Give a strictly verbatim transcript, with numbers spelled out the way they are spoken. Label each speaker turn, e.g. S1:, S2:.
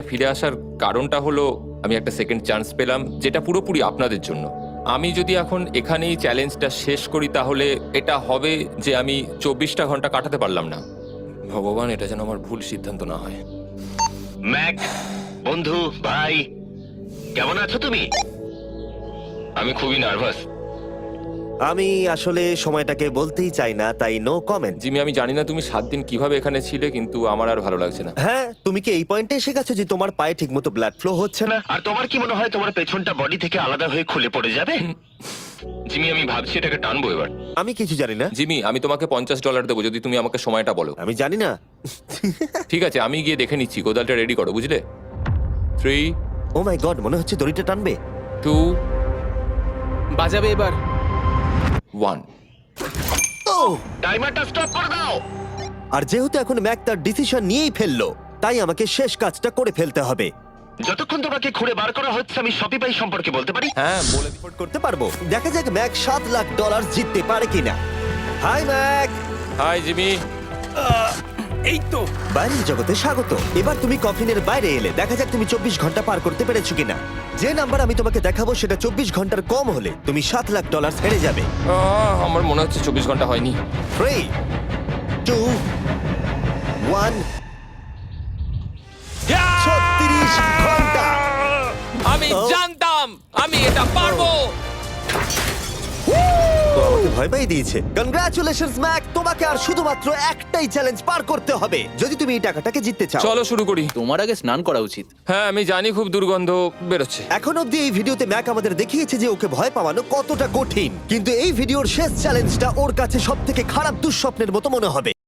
S1: ফিরে আসার কারণটা হলো আমি একটা সেকেন্ড চান্স পেলাম, যেটা পুরোপুরি আপনাদের জন্য। আমি যদি এখন এখানেই চ্যালেঞ্জটা শেষ করি তাহলে এটা হবে যে আমি চব্বিশটা ঘন্টা কাটাতে পারলাম না। ভগবান, এটা যেন আমার ভুল সিদ্ধান্ত না হয়।
S2: ম্যাক, বন্ধু, ভাই, কেমন আছো তুমি?
S1: আমি খুবই নার্ভাস।
S3: আমি আসলে সময়টাকে বলতেই চাই না, তাই নো কমেন্ট।
S1: জিমি, আমি জানি না তুমি সাত দিন কিভাবে এখানে ছিলে, কিন্তু আমার আর ভালো লাগছে না।
S3: হ্যাঁ, তুমি কি এই পয়েন্টে এসে গেছো যে তোমার পায়ে ঠিকমতো ব্লাড ফ্লো হচ্ছে না?
S2: আর তোমার কি মনে হয় তোমার পেছনটা বডি থেকে আলাদা হয়ে খুলে পড়ে যাবে?
S1: জিমি, আমি ভাবছি এটাকে টানবো এবার।
S3: আমি কিছু জানি না।
S1: জিমি, আমি তোমাকে পঞ্চাশ ডলার দেবো যদি তুমি আমাকে সময়টা বলো।
S3: আমি জানি না।
S1: ঠিক আছে, আমি গিয়ে দেখে নিচ্ছি। কোদালটা রেডি করো, বুঝলে? থ্রি,
S3: ও মাই গড, মনে হচ্ছে দড়িটা টানবে।
S1: টু,
S4: বাজাবে এবার।
S1: ওয়ান।
S3: ও!
S2: টাইমারটা স্টপ করে দাও।
S3: আর যেহেতু এখন ম্যাক তার ডিসিশন নিয়েই ফেললো, তাই আমাকে শেষ কাজটা করে ফেলতে হবে।
S2: যতক্ষণ তোমাকে খুঁড়ে বার করা হচ্ছে আমি শপিপাই সম্পর্কে বলতে পারি।
S1: হ্যাঁ, বলে দিই।
S3: রিপোর্ট করতে পারবো। দেখা যাক ম্যাক সাত লাখ ডলার জিততে পারে কিনা। Hi Mac.
S1: Hi Jimmy.
S4: এই তো।
S3: বাইরের জগতে স্বাগত। এবার তুমি কফিনের বাইরে এলে, দেখা যাক তুমি চব্বিশ ঘন্টা পার করতে পেরেছো কিনা। যে নাম্বার আমি তোমাকে দেখাবো সেটা চব্বিশ ঘন্টার কম হলে তুমি সাত লাখ ডলার হেরে যাবে।
S1: আহ, আমার মনে হচ্ছে চব্বিশ ঘন্টা হয়নি।
S3: Three, two, one. ছত্রিশ ঘন্টা।
S1: আমি
S3: ও।
S1: জানতাম আমি এটা পারবো।
S3: তো আমাকে ভয় পাই দিয়েছে। কনগ্রাচুলেশনস ম্যাক, তোমাকে আর শুধুমাত্র একটাই চ্যালেঞ্জ পার করতে হবে যদি তুমি এই টাকাটাকে জিততে চাও।
S1: চলো শুরু করি।
S4: তোমার আগে স্নান করা উচিত।
S1: হ্যাঁ, আমি জানি খুব দুর্গন্ধ বেরোচ্ছে।
S3: এখন অব্দি এই ভিডিওতে ম্যাক আমাদের দেখিয়েছে যে ওকে ভয় পাওয়ানো কতটা কঠিন, কিন্তু এই ভিডিওর শেষ চ্যালেঞ্জটা ওর কাছে সব থেকে খারাপ দুঃস্বপ্নের মতো মনে হবে।